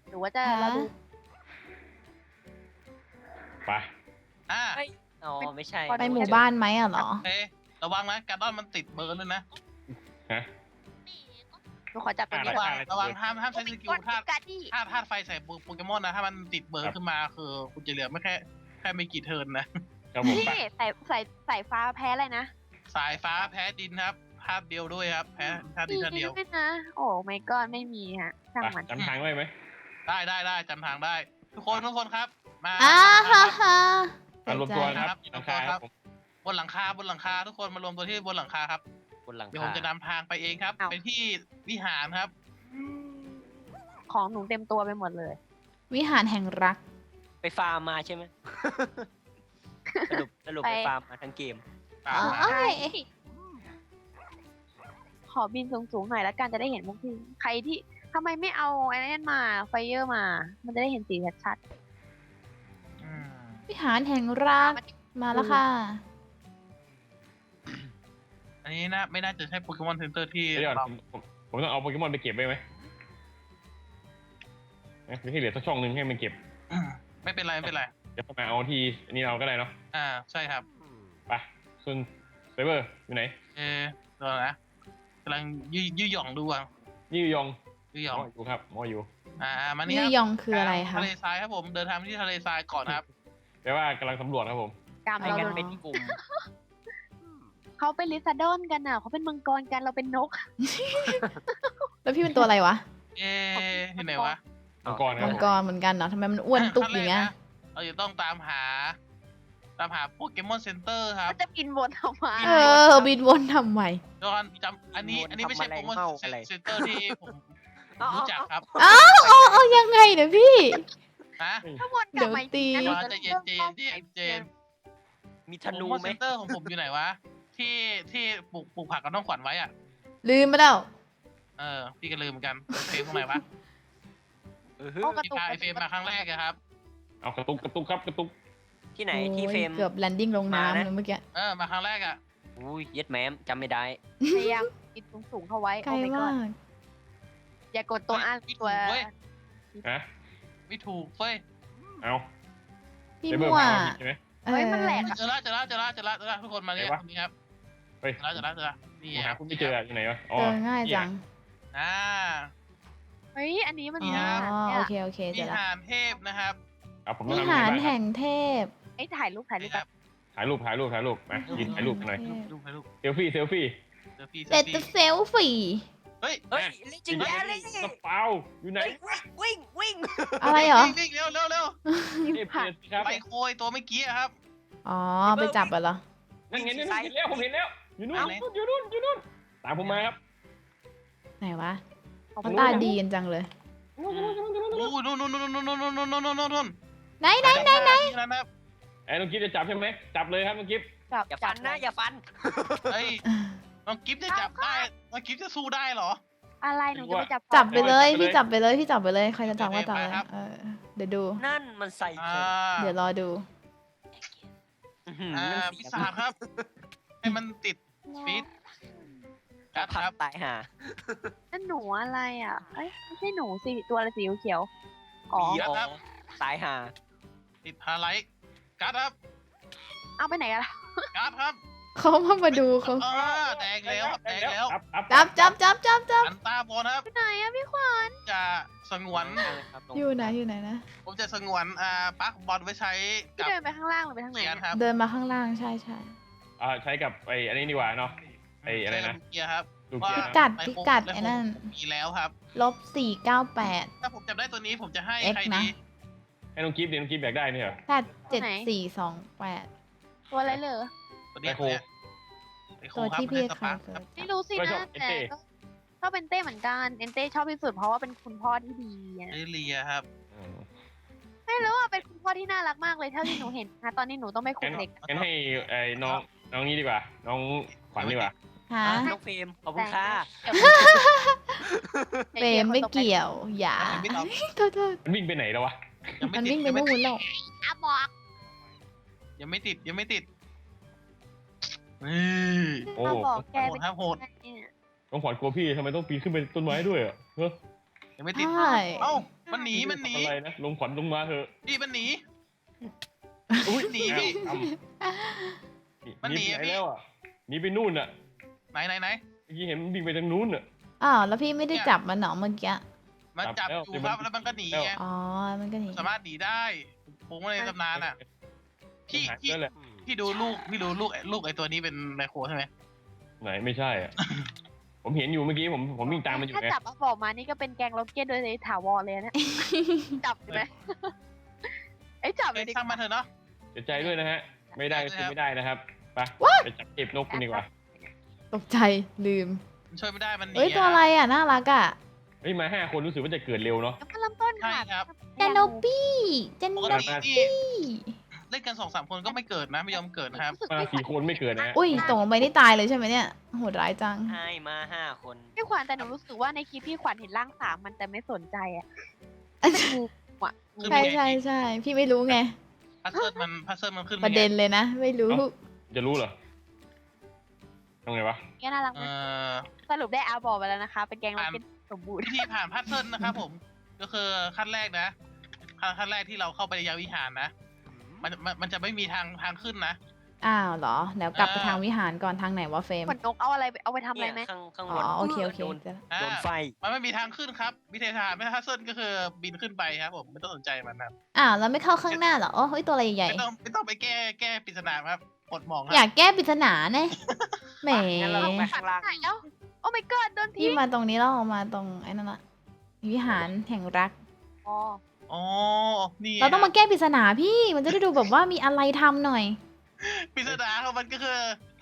S1: หรือว่าจะ
S4: ฮะ
S1: เราดู
S3: ไป
S2: อ่า
S5: เฮ้ยอ๋อไม่ใช่
S4: ไปหมู่บ้านไหมอ่ะเหรอ
S2: โอเคระวังนะการดอนมันติดเบิร์นด้วยนะ
S3: ฮะ
S1: หนูขอจับตัวนี้
S2: ระ
S1: ก่
S2: วั
S1: อน
S2: งระวังห้ามห้ามใช้สกิลธาตุ
S1: การที่
S2: ธาตุธาตุไฟใส่โปเกมอนนะถ้ามันติดเบิร์นขึ้นมาคือคุณจะเหลือไม่แค่แค่ไม่กี่เทิร์นนะ
S3: ครับผม
S1: พี่
S3: ไป
S1: สายสายสายฟ้าแพ้อะไรนะ
S2: สายฟ้าแพ้ดินครับธาตุเดียวด้วยครับแพ้ธาตุดินธาตุเดียว
S1: ด้วยนะโอ้ไม่ก็ไม่มีฮะช่าง
S3: ไป
S1: มัน
S3: จำทางได้ไหม
S2: ได้ได้ได้จำทางได้ ทุกคนทุกคนครับ มา
S4: อ้า
S2: มา
S4: ฮ่า
S2: ครับ
S4: ฮ่า
S3: อ่ะรวมตัว
S4: เสียใจ
S3: นะครับหลังคาครับผม
S2: บนหลังคาบนหลังคาทุกคนมารวมตัวที่บนหลังคาครับ
S5: บนหลัง
S2: เดี๋ยวผ
S5: คาม
S2: จะนำทางไปเองครับไปที่วิหารครับ
S1: ของหนูเต็มตัวไปหมดเลย
S4: วิหารแห่งรัก
S5: ไปฟาร์มมาใช่ไหม สรุปสรุป
S1: ไป
S5: ไปฟาร์มมาทั้งเกม
S2: ตามมา
S4: อ๋อ
S1: ขอบินสูงๆหน่อยแล้วกันจะได้เห็นพวกพี่ใครที่ทำไมไม่เอาไอ้นั่นมาไฟเยอร์มา มันจะได้เห็นสีชัด
S2: อืม
S4: วิหารแห่ง
S1: ๆ
S4: รัก
S1: มัน
S4: มาแล้วค่ะ
S2: อันนี้นะไม่น่าจะใช่โปเกมอนเซ็นเตอร์ที่
S3: เดี๋ยวก่อน
S2: เรา
S3: ผมผมผมต้องเอาโปเกมอนไปเก็บไว้ไหมเอ๊ะให้เหลือสักช่องหนึงให้มันเก็บ
S2: ไม่เป็นไรไม่เป็นไร
S3: เดี๋ยวเข้ามาเอาที่อันนี้เราก็ได้เนาะ
S2: อ่าใช่ครับ
S3: ไปส่วนไซเบอร์อยู่ไหน
S2: เออเดี๋ยวนะกำลังยืยืหย่องดูอ่ะ
S3: นี่ยอง
S2: ยืห
S3: ห
S2: ย่อง
S3: มออยู่ครับหมออยู่
S2: อ่ามานี่
S4: ยื
S2: ค
S4: อ
S2: รับ
S4: ยองคืออะไรคะ
S2: ทะเลทรายครับผมเดินทางไปที่ทะเลทรายก่อนครับ
S3: แปลว่ากำลังสำรวจครับผม
S1: กรรม
S5: ไม่
S1: เรา
S5: งั้น
S1: เลย
S5: เป็นกลุ่ม
S1: เขาเป็นลิซาดอนกันอ่ะเขาเป็นมังกรกันเราเป็นนก
S4: แล้วพี่เป็นตัวอะไรวะ
S2: เอ๊ะที่ไหนวะ
S3: มังกรครับ
S4: มั
S3: ผ
S4: ง
S3: ม
S4: กรเหมือนกันเนาะทำไมมันอ้วนตุ๊บอย่างเงี้ย
S2: ขั้นแรกนะเราจะต้องตามหา ตามหาโปเกมอนเซ็นเตอร์ครับ
S1: มันจะบินวนออกมา
S4: เออ บินวนทำไม
S2: เดี๋ยวก่อนจำอันนี้อันนี้ไม่ใช่โปเกมอนเซ็นเตอร์ที่ผมรู้จักครับ
S4: อ้าวเอาเอายังไงเนี่ยพี่
S2: นะ
S1: ถ้าวนกลับมาอีกทีนะ
S4: เดี๋ยว
S1: ห
S2: จะ
S1: จะ
S2: เย็นเจนเจนเจน
S5: มีธ
S2: โปเก
S5: นู
S2: มอน
S5: ไหม
S2: เซ็นเตอร์ของผมอยู่ไหนวะ ที่ที่ปลูกปลูกผักกับน้องขวัญไว้อ่ะ
S4: ลืมไปแล้ว
S2: เออพี่ก็ลืมเหมือนกันเฟรมตรงไหนวะ
S5: เออ
S1: โอ้กระ
S2: ที่
S1: ตุก
S2: พาไอเฟรมมาครั้งแรกอะครับ
S3: เอากระตุกกระตุกครับกระตุก
S5: ที่ไหน
S4: โอ้ย
S5: ที่เฟรม
S4: เกือบแลนดิ้งลง
S5: มานะ
S4: น้ำเลยเมื่อกี้
S2: เออมาครั้งแรกอ่ะ
S5: อุ้ยเย็ดแม้มจำไม่ได้
S1: พยายามบินสูงๆเข้าไว้
S4: ไกล
S1: โอ้ my
S4: มา
S1: god
S4: ก
S1: อย่ากดตัวอ่านตัว
S3: ฮะ
S2: ไม่ถูกเฟ้ย
S3: เอา
S4: พี่
S3: ไซเบอร์
S4: มั่ว
S3: มาใช่ไหม
S4: เอ
S1: เฮ้ย
S4: อ
S1: มันแหลก
S2: เจอละเจอละเจอละเจอละเจอละทุกคนมาเนี่ย
S3: ไหนวะ
S2: ตรงนี้ครับ
S3: เฮ้ย
S2: เจอละเจอละเจอละนี่
S3: ผม
S2: ค
S3: หา
S2: รับ
S3: คุณไม่เจออยู่ไหนวะอ๋อ
S4: เจอง่ายจัง
S2: อ่า
S1: เฮ้ยอันนี้มัน
S4: อ๋
S1: มี
S4: อ
S1: อาหาร
S4: โอ
S1: เนี่ย
S4: เคโอเค
S2: วิ
S4: เจอละ
S2: หารเทพนะครับ
S3: เอาผมต้
S4: วิ
S3: องทำยัง
S4: หาร
S3: ไงบ้างค
S4: แห่
S3: รับ
S4: งเทพ
S1: ไอ้ยถ่ายรูปถ่ายรูป
S2: นี่ครับ
S3: ถ่ายรูปถ่ายรูปถ่ายรูปมายืนถ่ายรูปกันหน่อย
S2: รูปให้รูป
S3: เซลฟี่เซลฟี่
S2: เซลฟี่เซ
S4: เด็
S2: ล
S4: ด
S2: ฟี่
S4: จะเซลฟี่
S2: เฮ้ย
S5: เฮ้ยลิจิงแย่เลย
S3: กระเป๋าอยู่ไหน
S5: วิ่งวิ่งวิ่ง
S4: อะไรเหรอ
S2: วิ่งๆเร็วเร็วเร็ว
S3: เทพเจ็ดครับ
S2: ไปโคยตัวเมื่อกี้อะครับ
S4: อ๋อ ไปจับเหรอ
S3: นั่นไงนั่นไงเห็นแล้วผมเห็นแล้วอยู่นู่น
S2: เอา
S3: อยู่นู่นอยู่นู่นอยู่นู่นตามผมมาครับ
S4: ไหนวะ
S1: ขอบ
S4: มัน
S1: คุณ
S4: ตาดีกันจังเลย
S2: โอ้ยนู่นนู่นนู่นนู่นนู่นนู่นนู่นนู่นนู่นนู่น
S4: ไหนไหนไหนไหน
S2: นะครับ
S3: ไอ้น้องกิ๊ฟจะจับใช่ไหมจับเลยครับน้องกิ๊ฟ
S1: จับ
S5: อย่าฟันนะอย่าฟัน
S2: เฮ้ยน้องกิฟต์จะจับได้น้องกิฟต์จะสู้ได้เหรอ
S1: อะไรหนูจะไปจับ
S4: จับไปเลย
S3: จับไปเลย
S4: พี่จับไปเลยพี่จับไปเลยใครจะจับก็จับเลย
S2: ไปครับ
S4: เออเดี๋ยวดู
S5: นั่นมันใส่
S2: อ่า
S5: ผม
S4: เดี๋ยวรอดู
S5: อื้อหือ
S2: อ่า
S5: นั่น
S2: พิศาจครับ ให้มันติดฟีดกัด
S5: ผั
S2: ค
S5: ก
S2: รับ
S5: ตายห่า
S1: นั่นหนูอะไรอ่ะเอ้ยไม่ใช่หนูสิตัวอะไรสีเขียวๆอ๋อ
S5: อ๋อตายห่า
S2: ติดพาไลท์กัดครับ
S1: เอาไปไหนกันล่ะ
S2: กัดครับ
S4: เขามามาดูเขา
S2: อ่าแดงแล้วครับแดงแล้ว
S3: จับจับ
S4: จับจับจับจับจับ
S2: อันตาบอลครับ
S1: ไปไหนอะพี่ขวัญ
S2: จะสงวน
S5: ครับลง
S4: อยู่ไหนอยู่ไหนนะ
S2: ผมจะสงวนอ่าปักบอลไว้ใช้
S1: พี่
S2: กับ
S1: เดินไปข้างล่างหรือไปทางไหน
S2: เกียร์
S1: เนี่ย
S2: ครับ
S4: เดินมาข้างล่างใช่ใช่
S3: อ่าใช้กับไอ้อันนี้ดีกว่าเนาะ ไอ้อะไรนะ
S2: ใช้กับเกียร์ครับ
S3: ดูเกีย
S4: พิ
S3: ร์
S4: กัด
S2: ใน
S4: พิ
S2: โค้ง
S4: กัด
S2: ใน
S4: ไอ้
S2: โค้ง
S4: นั่น
S2: มีแล้วครับ
S4: ลบสี่เก้าแปด
S2: ถ้าผมจับได้ตัวนี้ผมจะให้
S4: X
S2: ใคร
S4: นะ
S2: ดี
S3: ให้น้องกิ๊ฟเดี๋ยวน้องกิ๊ฟอยากได้เนี่ยเหรอ
S4: แปดเจ็ดสี่สองแปด
S1: ตัวอะไรเหรอ
S2: ตัวเนี้ย
S3: ไมโคร
S2: ตัวเนี้ยไมโคร
S4: ตัว
S2: ครับ
S4: ที่พี่
S2: ส
S4: เค
S2: ปาย ร์ค
S4: เซิ
S2: ครั
S4: ร์
S2: บ
S4: ช
S1: ไม่รู้สิ
S3: ก็ชอ
S1: นะ
S3: บเอ็น
S1: แต่
S3: เต้
S1: ก็ชอบเป็นเต้เหมือนกันเอนเต้ชอบที่สุดเพราะว่าเป็นคุณพ่อที่ดีอะ
S2: เอเลียครับ
S3: อืม
S1: ไม่รู้ว่าเป็นคุณพ่อที่น่ารักมากเลยเท่าที่หนูเห็นนะตอนนี้หนูต้องไปคุ
S3: งั้
S1: ม
S3: น
S1: เด็ก
S3: งั้นให้ไอ้น้องน้องนี้ดีกว่า น้องขวัญดีกว่า
S4: ฮะ
S5: น้องเฟรมขอบคุณค่ะ
S4: เปรมไม่เกี่ยว อย่า
S2: ยังไม่ตอบ
S4: โทษโทษ
S3: มันวิ่งไปไหนแล้ววะ
S2: ยังไม่
S4: มัน
S2: ติด
S4: วิ่งไป
S2: ยังไม่
S4: นู่
S2: ติด
S4: นแล้ว
S1: อ่ะบอก
S2: ยังไม่ติดยังไม่ติดนี่
S3: โอ้
S1: มาบอกแก
S2: โห
S1: เป็
S2: ด
S1: น
S2: ครับโหด
S1: ไงเนี่ย
S3: น้องขวัญกลัวพี่ทำไมต้องปีนขึ้นไปต้นไม้ด้วยอ่ะเฮ้ย
S2: ยังไม่ติด
S4: ใช่
S2: เอ้ามันหนีมันหนี
S3: อะไรนะลงขวัญลงมาเถอะ
S2: พี่มันหนี
S3: อุ้ย
S2: หนีพี่
S3: อ้ำห
S2: มันหนี
S3: นีไป
S2: อะพี่
S3: แล้วอ่ะหนีไปนู่นอ่ะ
S2: ไหนไหนไหน
S3: เมื่อกี้เห็นมันวิ่งไปทางนู้นอ่ะ
S4: อ้าวแล้วพี่ไม่ได้จับมันเหรอเมื่อกี้
S2: มันจับอยู่ครับแล้วมันก็หนีไง
S4: อ๋อมันก็หนี
S2: สามารถหนีได้ผมว่าในตำนานอ่ะ พี่
S3: หาย
S2: พี่
S3: ไปแล้วแหละ
S2: พี่ดูลูกพี่ดูลูกลูกไอตัวนี้เป็นไมโครใช่ไหม
S3: ไหนไม่ใช่อ่ะ ผมเห็นอยู่เมื่อกี้ผมผมวิ่งตามมันอยู่
S1: ถ้า
S3: ไง
S1: จับเอาบอกมานี่ก็เป็นแกงล็อกเก็ตโดยถาวรเลยนะ จับใช่ไหมไอ้ยจับเล
S2: เอ้
S1: ย
S2: ย
S1: ดิ
S2: ช่างมันเถอะเนาะ
S3: เสียใจด้วยนะฮะ ไม่ได้ก็คือไม่ได้นะครับไปไปจับเก็บนกกันดีกว่า
S4: ตกใจลืม
S2: มันช่วยไม่ได้มันหนี
S4: เอ้ยตัวอะไรอ่ะน่ารักอ่ะ
S3: เฮ้ยมาห้าคนรู้สึกว่าจะเกิดเร็วเนาะ
S1: แล้วก็เริ่มต้น
S2: ใช่
S1: ค่ะ
S2: ครับ
S4: เจนโนปี้เจน
S2: ป
S4: โน
S2: กตินี่
S4: ปี้
S2: เล่นกันสองสามคนก็ไม่เกิดนะไม่ยอมเกิดนะครับ
S1: รู้สึก
S3: มา
S1: ไม่ขวั
S3: สี่
S1: ญ
S3: คนไม่เกิดนะฮะ
S4: อุ้ยตกลงไปนี่ตายเลยใช่ไหมเนี่ยโหดร้ายจัง
S5: ให้มาห้าคน
S1: พี่ขวัญแต่หนูรู้สึกว่าในคลิปพี่ขวัญเห็นร่างสามมันแต่ไม่สนใจอ่ะงูอ่ะงู
S4: ใช่ใช่ใช่พี่ไม่รู้ไง
S2: พัซเซิลมันพัซเซิลมันขึ้น
S4: ประเด็นเลยนะ ไม่รู้
S3: จะรู้เหรอทำไงวะ
S1: แกน่ารัก
S2: เอ
S1: ไหม
S2: อ
S1: สรุปได้อาบอกไปแล้วนะคะ เป็นแกงล็อกเก็ตสมบูรณ์
S2: วิธีผ่านพัซเซิลนะครับผม ก็คือขั้นแรกนะขั้นขั้นแรกที่เราเข้าไปในยาวิหารนะมันมันมันจะไม่มีทางทางขึ้นนะ
S4: อ้าวเหรอเดี๋ยวกลับไป
S2: อ่า
S4: ทางวิหารก่อนทางไหนวะเฟรม
S1: ขนนกเอาอะไรไปเอาไปทำอะไร
S5: เนี่ย
S1: ไหม
S5: ข้างข้าง
S4: อ๋
S5: บ
S4: อน โอเคโอเค
S5: โดน
S4: เจอละ
S2: อ่า
S5: โดนไฟ
S2: มันไม่มีทางขึ้นครับ วิธีทางไม่พัซเซิลก็คือบินขึ้นไปครับผมไม่ต้องสนใจมันครับ
S4: อ้าวแล้วไม่เข้าข้างหน้าเหรอโอ้เฮ้ยตัวอะไรใหญ่
S2: ไม่ต้องไม่ต้องไปแก้แก้ปริศนาครับกดหมองค
S4: ๆ
S2: รับ
S4: อยากแก้ปริศนาเนี่ยแหม
S5: งั้นเราลงไปข้างล่าง
S1: ไหนแล้วโอ้ my god โดน
S4: พี่
S1: ทิ้ง
S4: มาตรงนี้แล้วออกมาตรงไอ้นั่นละวิหารแห่งรัก
S1: อ๋อ
S2: อ๋อนี่
S4: เราต้องมาแก้ปริศนาพี่มันจะได้ดูแบบว่ามีอะไรทำหน่อย
S2: ปริศนาของมันก็คือย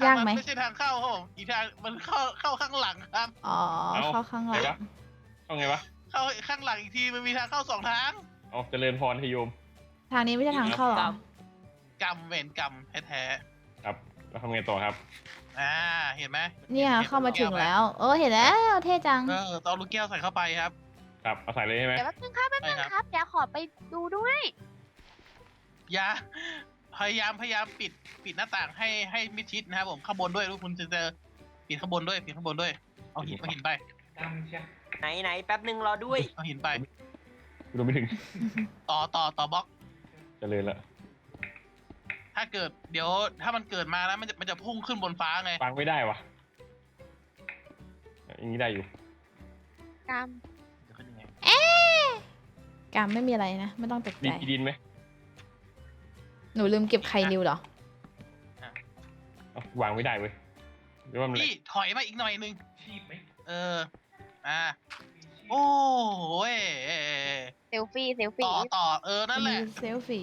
S4: ากไหม
S2: นไม่ใช่ทางเข้าครับผมอีกทางมันเข้าเข้าข้างหลังครับ
S4: อ๋อเข้าข้างหลั
S3: ไง
S4: ง
S3: วะเอาไงวะ
S2: เข้าข้างหลังอีกทีมันมีทางเข้าสองทาง
S3: เอาเจริญพรทโยม
S4: ทางนี้ไม่ใช่ทางเข้าเหรอ
S2: กรรมเวรกรรมแท้
S3: ครับแล้วทำไงต่อครับ
S2: ๆอ่าเห็นไหม
S4: เนี่ย
S2: ห็น
S4: เข้ามาถึง
S2: ไห
S4: แล้ว เออเห็นแล้วเท่จัง
S2: เออต้องเอาลูกแก้วใส่เข้าไปครับ
S3: ครับเอาใส่เลยใช่ไหม
S1: เดี๋ยวแป๊บนึงครับแป๊บนึง
S2: ใช่ครับ
S1: ครับอย่าขอไปดูด้วย
S2: อย่าพยายามพยายามปิดปิดหน้าต่างให้ให้มิดชิดนะครับผมข้างบนด้วยลูกคุณจะเจอปิดข้างบนด้วยปิดข้างบนด้วยเอาหินเอาหินไป
S5: ไหนไหนแป๊บนึงรอด้วย
S2: เอาหินไป
S3: ดูไม่ถึง
S2: ต่อต่อต่อบล็อก
S3: เจริญละ
S2: ถ้าเกิดเดี๋ยวถ้ามันเกิดมาแล้วมันจะมันจะพุ่งขึ้นบนฟ้าไง
S3: ฟังไม่ได้วะอย่างนี้ได้อยู่
S1: กรรม
S2: จะขึ้นยังไง
S4: กรรมไม่มีอะไรนะ ไม่ต้องตก
S3: มี
S4: ใจ
S3: กี่ดินไหม
S4: หนูลืมเก็บไข่นิวเหรอ
S3: เอาวางไม่ได้เว้ยหรือว่ามันอะไร
S2: พี่ถอยมาอีกหน่อยนึงเอออ่าโอ้โหย
S1: เซลฟี่เซลฟี่
S2: ต่อต่อเออนั่นแหละ
S4: เซลฟี่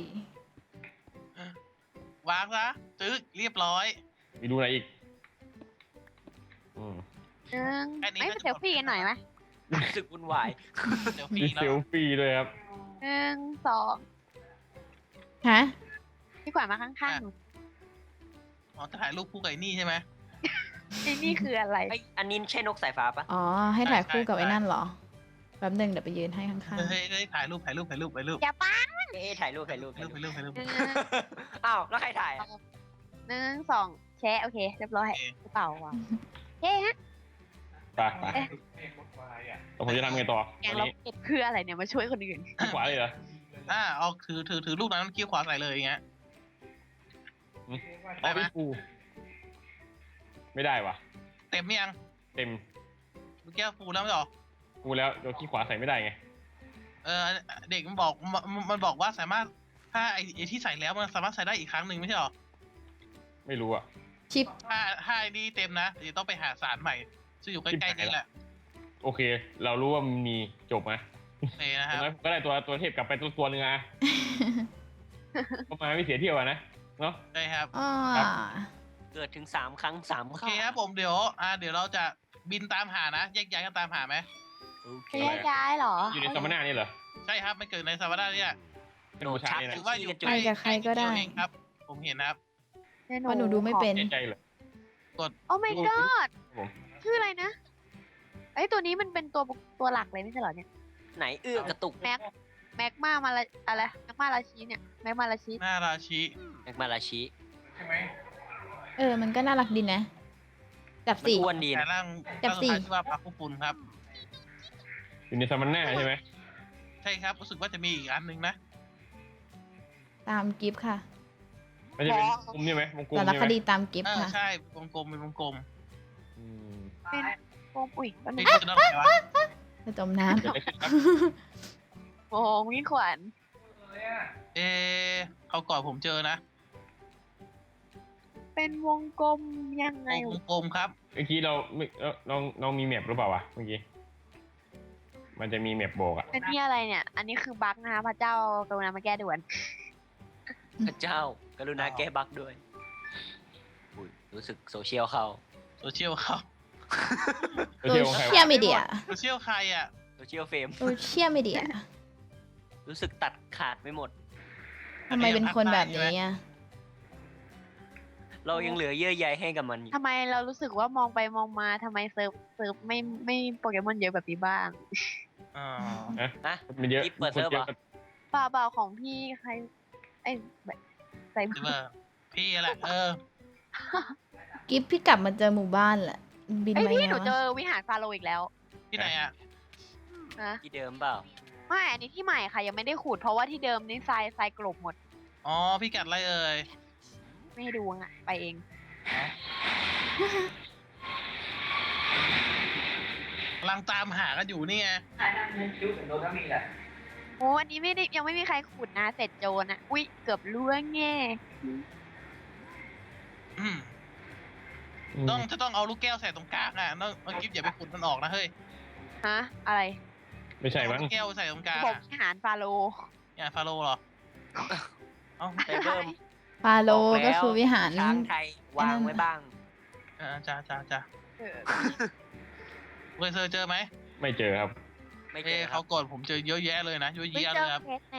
S2: วางซะจึ๊กเรียบร้อย
S3: มีดูอะไรอีกอืม
S1: หนึ่ง
S2: แค่นี้
S1: ไม่
S2: ก็
S1: เซลฟี่กันหน่อยไหม
S5: รู้สึกวุ่นวาย
S2: เดี๋ยว
S3: มี
S2: ฟี
S3: เซ
S2: แล้ว
S3: ลฟี่ด้วยครับ
S1: หนึ่งสอง
S4: ฮะ
S1: พี่ขวัญมาข้างๆหนู
S2: อ๋อจะถ่ายรูปคู่กับไอ้นี่ใช่ไหม
S1: ไอ้นี่คืออะไร
S5: ไอยอันนี้ใช่นกสายฟ้าปะ
S4: อ๋อ ให้ถ่ายคู่กับ
S2: ใช่
S4: ไอ้นั่นเหรอ แป๊บหนึงเดี๋ยวไปยืนให้ข้าง
S2: เฮ้ยเฮ้ยถ่ายรูปถ่ายรูปถ่ายรูปถ่ายรูป
S1: อย่าป้า
S5: เอ๊ะถ่ายรูปถ่ายรูป
S2: ถ่าย
S5: ถ่าย
S2: รูป
S5: รูป
S2: ถ่ายรูปถ่ายรูป
S1: หนึ่ง
S5: อ้าวแล้วใครถ่ายอะ
S1: หนึ่งสองแชะโอเค เรียบร้อย
S2: โอเค
S1: กระเป๋าว่ะเฮ้ฮะ
S3: ไปไปแล้วผมจะทำไงต่อ
S1: แกง
S3: วัน
S1: ล็อก
S3: นี้
S1: เก็ตคืออะไรเนี่ยมาช่วยคนอื่น
S3: ขวาเลยเหรอ
S2: อ่าเอาถือถือถือลูกนั้นคิ้วขวาใส่เลยอย่างเงี้ย ได้ไหม
S3: อ๋อฟูไม่ได้ว่ะ
S2: เต็มหรือยัง
S3: เต็ม
S2: ลูกแก้วฟูแล้วไม่หรอ
S3: ฟูแล้วเดี๋ยวขี้ขวาใส่ไม่ได้ไง
S2: เออเด็กมันบอกมันมันบอกว่าสามารถถ้าไอ้ไอ้ที่ใส่แล้วมันสามารถใส่ได้อีกครั้งหนึ่งไม่ใช่หรอ
S3: ไม่รู้อ่ะ
S4: ๆ ชิป
S2: ถ้าถ้าไอ้นี่เต็มนะเดี๋ยวต้องไปหาสารใหม่ซึ่งอยู่ใกล้ๆนี่แหละ
S3: โอเค เรารู้ว่ามันมีจบไหม
S2: โอเคนะ
S3: อ
S2: ค
S3: ย่า
S2: รับ
S3: งน้อยผมก็ได้ตัวตัวเทพกลับไปตัวตัวหนึงอ่ะ ก็มาไม่เสียเที่ยวอะนะ เนาะ
S2: ได้ครับ
S4: อ่า
S3: ครับ
S5: เกิดถึงสามครั้งสาม
S2: โอ
S5: ครั้
S2: เค
S5: ง
S2: ครับผมเดี๋ยวอ่าเดี๋ยวเราจะบินตามหานะแยกย้ายกันตามหาไหม
S5: โอเค
S1: แยกย้ายเหรอ
S3: อยู่ในซัมมนานี่เหรอ
S2: ใช่ครับมันเกิดในซาวาด้าเนี่ย
S3: เป็นผู้ชาย
S2: ห
S3: นะ
S2: รือว่าอยู่
S4: ไปกับใครก็ได้
S2: เองครับ ผมเห็นนะครับ
S4: เพราะหนูดูไม่เป็น
S3: เสียใจเหรอ
S1: โอ้ my god
S3: ผม
S1: ชื่ออะไรนะไอ้ยตัวนี้มันเป็นตัวตัวหลักเลยไม่ใช่เหรอเนี่ย
S5: ไหนเอื้อกระตุก
S1: แม็กแม็กมามาละอะไรแม็กมาราชีเนี่ยแม็กมาราชี
S2: หน้าราชิ
S5: แม็กมาราชิ
S4: เออ มันก็น่ารักดีนะ จับ
S5: มัน
S4: สี่
S5: อ้วนดี
S2: แต่
S5: นะ
S2: ร่าง
S4: จับสี่
S2: ร่างสุดท้ายชื่อว่าพักคุปุนครับ
S3: อยู่ในซัมมันน่าใช่ไหม
S2: ใช่ครับรู้สึกว่าจะมีอีกอันหนึงนะ
S4: ตามกิฟต์ค่ะ
S3: มันจะเป็นวงกลมใช่ไหมวงกลม
S4: สาร
S3: ใช่
S4: ค
S3: ไหม
S4: ดีตามกิฟ
S2: เอ
S4: ต์
S2: อ
S4: ค่ะ
S2: ใช่วงกลมเป็นวงกลม
S3: อืม
S1: เป็นโฟมอุ้ยมัน
S2: เฮ้ยคุณจะต้องอะไรวะ
S4: จะจมน้
S3: เกิดอะไรขึ้นครับ
S1: โอ้โหมีขวัญ
S2: เอะเขาก่อนผมเจอนะ
S1: เป็นวงกลมยังไง
S2: วงกลมครับ
S3: เมื่อกี้เราไม่เอ้าน้องน้องมีแมปหรือเปล่าวะเมื่อกี้มันจะมีแมปบอกอะ
S1: เป็นที่อะไรเนี่ย อันนี้คือบั๊กนะคะพระเจ้ากรุณามาแก้ด่วน
S5: พระเจ้ากรุณาแก้บั๊กด้วยอุ้ยรู้สึกโซเชียลเข้า
S2: โซเชียลเขา
S4: ำ
S3: โซเชียลของใคร
S4: เชียว
S3: ะ
S4: มีเดีย
S2: โซเชียลใครอ่ะ
S5: โซเชียลเฟรม
S4: โซเชียลมีเดีย
S5: รู้สึกตัดขาดไปหมด
S4: ทำไมเป็นคนแบบนี้อ่ะ
S5: เรายังเหลือเยื่อใยให้กับมันอยู่
S1: ทำไมเรารู้สึกว่ามองไปมองมาทำไมเซิร์ฟเซิร์ฟไม่ไม่โปเกมอนเยอะแบบนี้บ้าง
S2: อ๋อ
S5: นะ
S3: มันเยอะ
S5: นี่เปิดเซิร์ฟเหรอ
S1: เปล่าเปล่าของพี่ใครไอ้แบบใส่
S2: ใช่ป่ะพี่แหละ เออ
S4: กิฟต์พี่กลับมาเจอหมู่บ้านแหละ บิน
S1: ไอ้ย
S4: มา
S1: พี่
S4: ไง
S1: หนูเจ
S4: วะ
S1: อวิหารฟาโรห์อีกแล้ว
S2: ที่ไหนอ่ะ
S1: นะ
S5: ที่เดิมเปล่า
S1: ไม่อันนี้ที่ใหม่ค่ะยังไม่ได้ขูดเพราะว่าที่เดิมนี่ทรายทรายกลบหมด
S2: อ๋อ พี่กัดอะไรเอ่ย
S1: ไม่ให้ดูอ่ะไปเอง
S2: กำลังตามหากันอยู่นี่ไง
S1: โอ้อันนี้ไม่ได้ยังไม่มีใครขูดนะเสร็จโจรอ่ะอุ้ยเกือบล่วงแง่
S2: อืม
S3: อืม
S2: ต้องจะต้องเอาลูกแก้วใส่ตรงกลางอ่ะน้องน้องกิฟอย่าไปขุดมันออกนะเฮ้ย
S1: ฮะอะไร
S3: ไม่ใช่มั้ง
S2: เอาลูกแก้วใส่ตรงกลาง
S1: ผม
S2: อะ
S1: วิหารฟาโรห์
S2: เนี่ยฟาโรห์เหรอเอ้า
S5: ไปเพิ่ม
S4: ฟาโล
S5: บอกแล้ว
S4: ก็คือวิหาร
S5: ช้างไทย วางไว้บ้าง
S2: เออจ้าจ้าจ้า
S1: เออ
S2: เคยเจอเจอไหม
S3: ไม่เจอครับ
S5: ไม่เจ
S2: เอ้
S5: อครั
S2: เขา
S5: บ
S2: ก่อนผมเจอเยอะแยะเลยนะเยอะ
S1: ไม่
S2: แยะ
S1: เจ
S2: เล
S1: อย
S2: ครับ
S1: เพชรนะ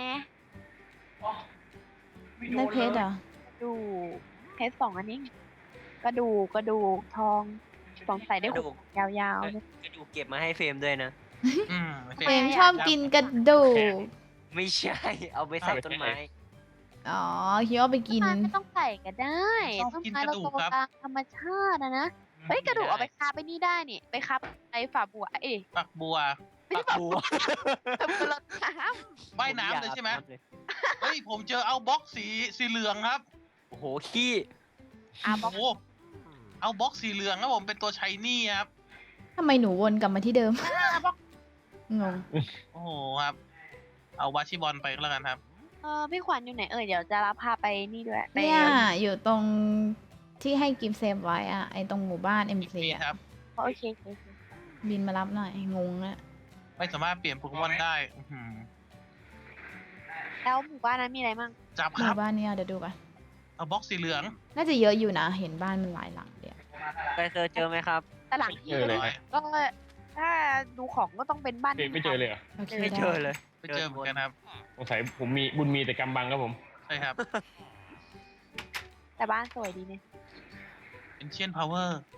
S4: ได้เพชรเหรอ
S1: ดูเพชรสองอันนี้กระดูกกระดูกทองสงสัยได้
S5: กระ
S1: ขุ
S5: ดู
S1: ด
S5: ก
S1: ยาวๆเลย
S5: กระดูกเก็บมาให้เฟรมด้วยนะ
S2: อืม
S4: เฟรมชอบกินกระดูก
S5: ไม่ใช่ เอาไปใส่ต้นไม้
S4: อ๋อคิดว่าไปกิน
S1: ต้นไม้ไม่ต้องใส่ก็ได้ต้นไม้เราโตตามธรรมชาตินะนะเฮ้ยกระดูกเอาไปคาบไปนี่ได้นี่ ไปคาบไอ้ฝาบัวเอ้ย
S2: ปักบัว
S1: ไม่ใช่ฝาบัวฝาบัวรดน้
S2: ว่ายน้ำเลยใช่ไหม
S5: ผอยากอาบน้ำเลย
S2: เฮ้ยผมเจอเอาบ็อกสีสีเหลืองครับ
S5: โอ้โห ขี้
S1: ำอาบ
S2: โอ้
S1: อก
S2: โหเอาบ็อกสีเหลืองครับผมเป็นตัวชายนี่ครับ
S4: ทำไมหนูวนกลับมาที่เดิม
S1: อาบอก
S4: งง
S2: โอ้โหครับ เอาวาชิบอลไปก็แล้วกันครับ
S1: เออพี่ขวัญอยู่ไหนเอ่ยเดี๋ยวจะรับพาไปนี่ด้วยไป
S4: เนี่ย อยู่ตรงที่ให้กิฟต์เซฟไว้อะไอตรงหมู่บ้านเอ็ม
S2: อีก
S4: ซี
S2: ที
S4: อะ
S2: ครับ
S1: โอเคโอเคโอเค
S4: บินมารับหน่อย งงอะ
S2: ไม่สามารถเปลี่ยนโปเกมอนได้อื้อหือ
S1: แล้วหมู่บ้านนั้นมีอะไรมั่ง
S2: จับ
S4: ห
S2: ครั
S4: มู่
S2: บ
S4: บ้านเนี้ยเดี๋ยวดูกัน
S2: เอาบ็อกสีเหลือง
S4: น่าจะเยอะอยู่นะ เห็นบ้านมันหลายหลังเดียว
S5: ไปเคยเจอไหมครับ
S1: แต่หลังที่
S3: เจอเลย
S1: ก็ถ้าดูของก็ต้องเป็นบ้าน
S3: เจอไม่เจอเลยเหรอ
S4: โอเค
S5: ไม่
S4: ได้
S5: เจอเลย
S2: ไปเจอเหมือนกันครับ
S3: สงสัยผมมีบุญมีแต่กำบังครับผม
S2: ใช่ครับ
S1: แต่บ้านสวยดีเนี่ย
S2: เป็นเชียนพาวเวอร์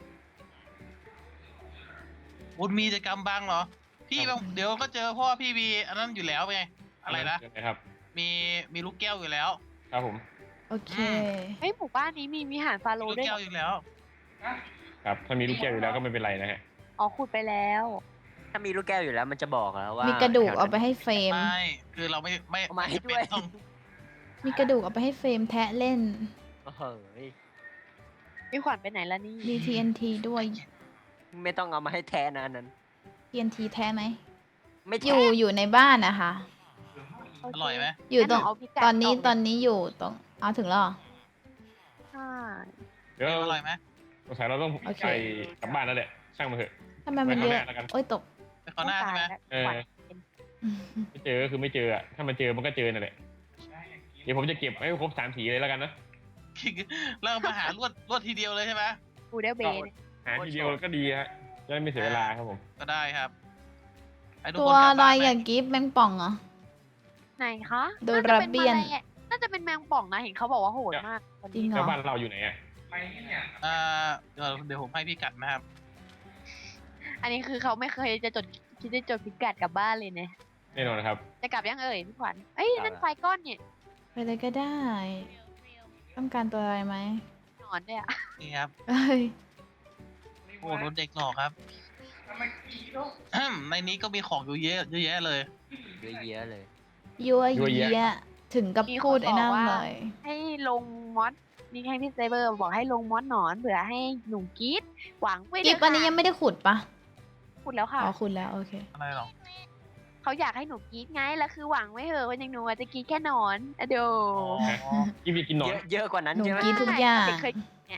S2: บุญมีจะกำบังเหรอ พี่บางเดี๋ยวก็เจอเพราะว่าพี่มีอันนั้นอยู่แล้วไง อะไรนะ
S3: เจครับ
S2: มีมีลูกแก้วอยู่แล้ว
S3: ครับผม
S4: โอเค
S1: เฮ้ยหมู่บ้านนี้มีวิหารฟาโร
S2: มีลู
S1: ห์
S2: ก
S1: ด้วย
S2: แก้วอยู่แล้ว
S3: ครับ ถ้ามีลูกแก้วอยู่แล้วก็ไม่เป็นไรนะฮะ
S1: อ๋อขุดไปแล้ว
S5: ถ้ามีลูกแก้วอยู่แล้วมันจะบอกแล้วว่า
S4: มี
S5: มี
S4: กระดูกเอาไปให้เฟรม
S2: ไม่ คือเราไม่ไม่
S5: เอามาให้
S2: ไม่
S5: ด้วย
S2: ต้อง
S4: มีกระดูกเอาไปให้เฟรมแทะเล่น
S5: โอ้โห
S1: พี่ขวัญไปไหนแล้วนี่
S4: มี ที เอ็น ที ด้วย
S5: ไม่ต้องเอามาให้แทนนะอันนั้น
S4: ที เอ็น ที แท้ไหม
S5: ไม่
S4: อ
S5: แท
S4: ยู่
S5: น
S4: อยู่ในบ้านนะคะ
S1: โเค
S2: อร่อยไหม
S4: อยู่ตรง
S1: งั้นหเาพิกัด
S4: ตอนนี้
S1: กเลย
S4: ตอนนี้อยู่ตรง เอาถึงแล้วเหรอ
S1: ใช่
S3: เดี๋ยว
S2: อร่อยไหม
S3: สงสัยเราต้อง
S4: โอเค
S3: ไปกลับบ้านแล้วแหละ ช่างมันเถอะ
S4: ทำไมมันเย
S3: ไว้
S4: อะ
S3: ข้างหน้าแล้วกัน
S4: โอ้ยตก
S2: ไปข้างหน้าใช่ไหม
S3: เออ
S1: ขวัญ
S3: ไม่เจอก็คือไม่เจออะถ้ามันเจอมันก็เจอนั่นแหละ เดี๋ยวผมจะเก็บให้ครบสามสีเลยแล้วกันนะ
S2: แล้วมาหาลวดลวดทีเดียวเลยใช่ไหม
S1: บูเดลเบน
S3: หาทีเดียวก็ดีฮะ จะได้ไม่เสียเวลาครับผม
S2: ก็ได้ครับให้ทุก
S4: ตัว
S2: คนกลับ
S4: อะไร
S2: บ้านไหม
S4: อย่างกิฟต์แมงป่องเหรอ
S1: ไหนคะ
S4: โด
S1: น่าจะ
S4: รา
S1: เป็น
S4: เบียน
S1: แมลงน่าจะเป็นแมงป่องนะเห็นเขาบอกว่าโหดมากตอน
S4: จริ
S1: นี้
S4: งเหร
S3: แล้
S4: อ
S3: วบ้านเราอยู่ไหนอะ
S2: อ่าเดี๋ยวเดี๋ยวผมให้พี่กัดนะครับ
S1: อันนี้คือเขาไม่เคยจะจดคิดจะจดพิกัดกลับบ้านเลยเนี่ย
S3: แน่นอนครับ
S1: จะกลับยังเอ่ยพี่ขวัญเอ้ยนั่นไฟก้อนเนี่ย
S4: ไปเลยก็ได้ ต้องการตัวอะไรไหม
S1: หนอนด้วยอะ
S2: นี่ครับ
S4: เอ้ย
S2: โอ้โดนเด็กหลอกครับอืมในนี้ก็มีของอยู่เยอะเยอะแยะเลย
S5: เยอะแยะเลย
S4: ยัว
S3: ยัว
S4: เยี
S3: เยีย
S4: ยถึงกับพูดไอ้นั่นเลย
S1: ให้ลงมอดนี่ให้พี่เซเบอร์บอกให้ลงมอดหนอนเผื่อให้หนูกรีดหวังไว้
S4: กิฟอันนี้ยังไม่ได้ขุดปะ
S1: พูดแล้วค่ะ
S4: อ๋อขุดแล้วโอเค
S2: อะไรหรอ
S1: เขาอยากให้หนูกรีดไงแล้วคือหวังไว้เหอะว่าอย่างหนูอาจจะกรีดแค่หนอนอะเดี๋ยว
S2: อ๋อ
S3: กินไปกินหนอ
S5: เย
S3: น
S5: อะเยอะกว่านั้น
S4: หนู
S5: ใช่ไหม
S4: กินทุกอย่าง
S1: เด็กเคยเนี่ย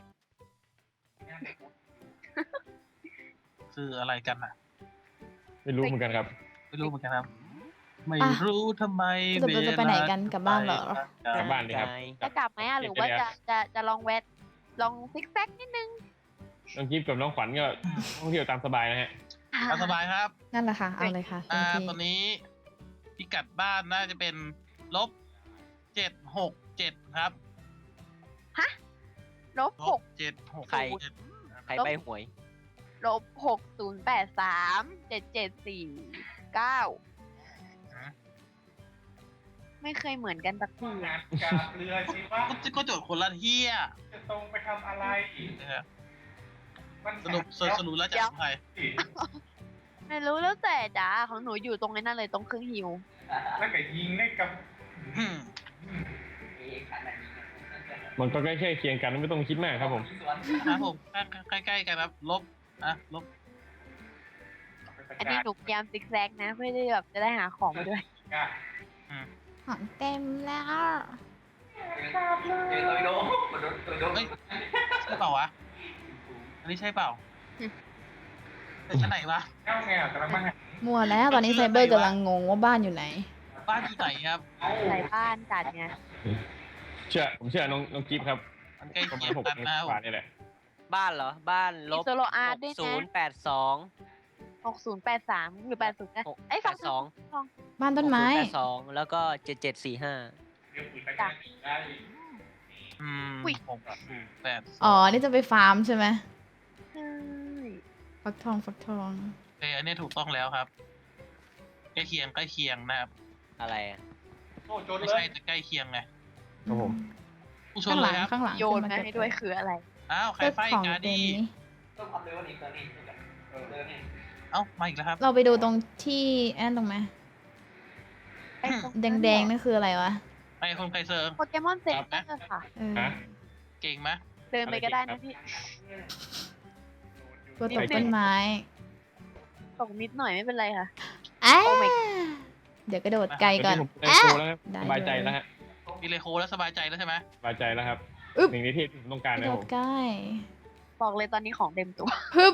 S2: คืออะไรกันอ่ะ
S3: ไม่รู้เหมือนกันครับ
S2: ไม่รู้เหมือนกันครับ ไม่รู้ทำไม
S4: สรุปเราจะไปไหนกันกลับบ้านเหรอ
S3: กลับบ้านเลยครับ
S1: จะกลับไหมอ่ะหรือว่าจะจะจะลองแวะลองซิกแซกนิดนึง
S3: น้องกิฟกับน้องขวัญก็ท่องเที่ยวตามสบายนะฮะ
S2: ตามสบายครับ
S4: นั่นแหละค่ะ เอาเลยค่ะเต็
S2: อ่าม
S4: ที่
S2: ตอนนี้พิกัดบ้านน่าจะเป็นลบเจ็ดหกเจ็ดครับ
S1: ลบ
S2: ล
S1: ห
S2: บ
S1: ก
S2: เจ็ดหก
S5: ใคร
S2: เจ็ด
S5: ใครใบหวย
S1: ลบหกศูนย์แปดสามเจ็ดเจ็ดสี่เก้าไม่เคยเหมือนกันสักที
S6: งานกาบเรือสิว่า
S2: ก็ก็โจทย์คนละเที่ย
S6: จะตรงไปทำอะไรอีก
S2: นะครับ
S6: มัน
S2: สรุปสรุปสรุปแล้วจะของใคร
S1: ไม่รู้แล้วแต่จ้าของหนูอยู่ตรงนั้นเลยตรงเครื่องฮิว
S6: แล้วก็ยิงได้กับ
S2: อืม
S3: มันก็ใกล้ๆเคียงกันไม่ต้องคิดมากครับผม
S2: ครับผมใกล้ใกล้ๆกันครับลบอ่ะลบ
S1: อันนี้หนูพยายามซิกแซกนะเพื่อที่แบบจะได้หาของมาด้วย
S4: ของเต็มแล้ว
S2: เฮ้ยใช่เปล่าวะอันนี้ใช่เปล่าแต่ชั้นไหนวะ
S6: เจ้าไงอ่ะกำลังมาหา
S4: มัวแล้วตอนนี้ไซเบอร์กำลังงงว่าบ้านอยู่ไหน
S2: บ้านอยู่ไหนครับ
S1: ใส่บ้านจัดไง
S3: เชื่อผมเชื่อน้องน้องกิฟครับ
S2: มันใกล้
S3: ประมา
S2: เคี
S3: ณ
S2: ยง
S3: หก
S2: กันนะค
S3: กว่า
S2: รับ
S3: นี่แหละ
S5: บ้านเหรอ บ้านล
S1: มี
S5: บ
S1: โซโลอาร์ด้วย
S5: ศู
S1: นะ
S5: นย์แปดสอง
S1: หกศูนย์แปดสามหรือแปดศูนย์นะ
S5: หก
S1: ไอ้ย
S5: แป
S1: ฟัง
S5: ดสอง
S4: บ้านต้นไม้
S5: แปดสองแล้วก็เจ็ดเจ็ดสี่ห้า
S6: เดี๋ยวคุยไปกันได้
S2: อืมหกศูนย์แปด
S4: อ๋อ นี่จะไปฟาร์มใช่ไหม
S1: ใช่
S4: ฟักทองฟักทอง
S2: โอเคอันนี้ถูกต้องแล้วครับใกล้เคียงใกล้เคียงนะครับ
S5: อะไรอะ
S6: โอ้โจน
S2: ไม่
S6: เล
S2: ใช่
S6: ย
S2: แต่ใกล้เคียงไง
S3: ครับผม
S2: ผู้ช
S4: ข้าน งห
S2: เล
S4: ลั
S2: ย
S4: ง
S2: ครับ
S4: ข้างหลัง
S1: โยน
S4: ขึ้
S1: มา
S4: เก็บ
S1: ให้ด้วยคืออะไร
S2: อ้าวใคร
S4: เจ้า
S2: ไฟ
S4: ของ
S2: กา
S4: เต็
S2: ดี
S4: มนี้
S2: เอ้ามาอีกแล้วครับ
S4: เราไปดูตรงที่แอนตรงไหม
S1: ไอ้ตรง
S4: แดงๆนั่นคืออะไรวะ
S2: ไอ้คนใครเซิร์ง
S1: โปเกมอนเซ็นเตอร์ค่ะ
S4: เออ
S3: ฮะ
S2: เก่งไหม
S1: เดินไปก็ได้นะพี่
S4: ตัวตกต้นไม้
S1: ตกนิดหน่อยไม่เป็นไรค่ะ
S4: อ้า
S1: โอ้ my
S4: เดี๋ยวกระโดดไกลก่อน
S3: ผมได้โชว์แล้วครับ
S4: ได้
S3: สบายใจแล้วฮะ
S2: มีเลโคแล้วสบายใจแล้วใช่ไหม
S3: สบายใจแล้วครับ
S4: อึ๊บ
S3: หนึ่งในที่ผมต้องการ
S4: กระ
S3: นะ
S4: โด
S3: ผ
S4: ด
S3: ม
S4: ใกล้
S1: บอกเลยตอนนี้ของเต็มตัว
S4: ฮึบ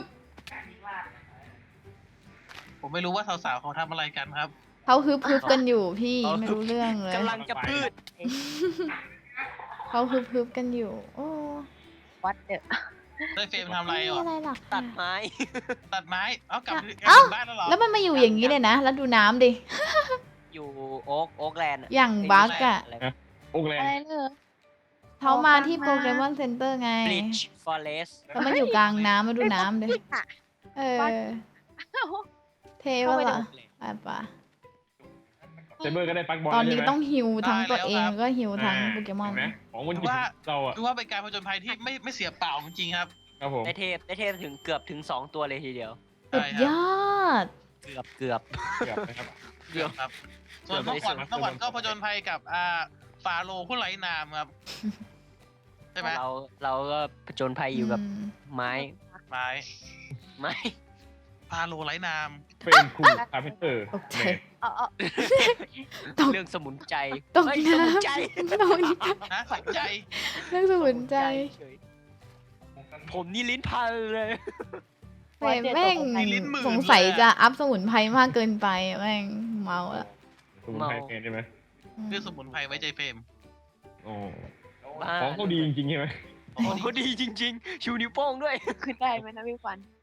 S2: ผมไม่รู้ว่าสาวๆเขาทำอะไรกันครับ
S4: เขาฮึบฮึบกันอยู่พี่ไม่รู้เรื่องเลย
S5: กำลังจะพืช
S4: เขาฮึบฮึบกันอยู่ โอ้
S1: วัดเดอะ
S2: ได้เฟรมทำอะไร
S4: ไม่มี
S2: วะ
S4: อะไรหรอก
S5: ตั
S4: ค่ะ
S5: ดไม้
S2: ตัดไม้ เอ้ากลับ
S4: เอ้า
S2: กลับบ้านแล้วเหรอ
S4: แล้วมันมาอยู่อย่างนี้เลยนะ แล้วดูน้ำดิ
S5: อยู่โอ๊กโอ๊กแลนด์
S4: อย่างบั๊กอะ
S3: โอกแลน
S1: อะไร
S3: ด์
S1: เลย
S4: เขามาที่โปเกมอนเซ็นเตอร์ไง
S5: บลิชฟอเรส
S4: แล้วมันอยู่กลางน้ำมาดูน้ำดิ
S1: เฮ้ยอะ
S4: เออ เทวะล่ะไปปะ
S3: เซเบอร์ก็ได้ปักบอล
S4: ตอนนี้
S3: ใช่ไหม
S4: ต้องฮิวทั้งตัวเองแล้วก็ฮิวทั้งโปเกมอน
S3: เห็นไหมของมันอยู่เราอะ
S2: ดูว่าเป็นการผจญภัยที่ไม่ไม่เสียเปล่าจริงๆครับ
S3: ครับผม
S5: ได้เทพได้เทพถึงเกือบถึงสองตัวเลยทีเดียว
S4: สุดยอด
S5: เกือบเกือบ
S3: เกือบนะครับ
S2: เกือบครับ ส่วนน้องขวัญน้องขวัญก็ผจญภัยกับอ่าฟาโรห์ผู้ไร้นามครับ ใช่ไหม
S5: เราเราก็ผจญภัยอยู่กับ
S4: ม
S5: ไม้
S2: ไม้
S5: ไม้
S2: ฟาโรห์ไร้นาม
S3: เป็นคูคาร์เพนเตอร์
S4: ตกใจ
S1: เออเออ
S4: ตก
S5: เรื่องสมุนใจ
S4: ตก
S5: เฮ้ย
S4: น้ำ
S5: สมุนใจ
S4: ตกน้
S2: นะสนใจ
S4: ำเรื่องสมุนใจ
S5: เฉยผมนี่ลิ้นพันเลย
S4: แต่แม่ง
S2: มีลิ้นหมื่น
S4: สงสัย
S2: เลยอะ
S4: จะอัพสมุนไพรมากเกินไปแม่งเมาละ
S3: สมุนไพรเป็นใช่ไหม
S2: เรื่องสมุนไพรไว้ใจเฟรม
S3: โอ้
S5: บ้า
S3: ของเขาดีจริงๆใช่ไหม
S2: โอ้
S5: โอ้
S2: โห
S5: โหดีจริง ๆ ชูนิ้วโป้งด้วย
S1: ขึ้นได้ไหมนะพี่ฟัน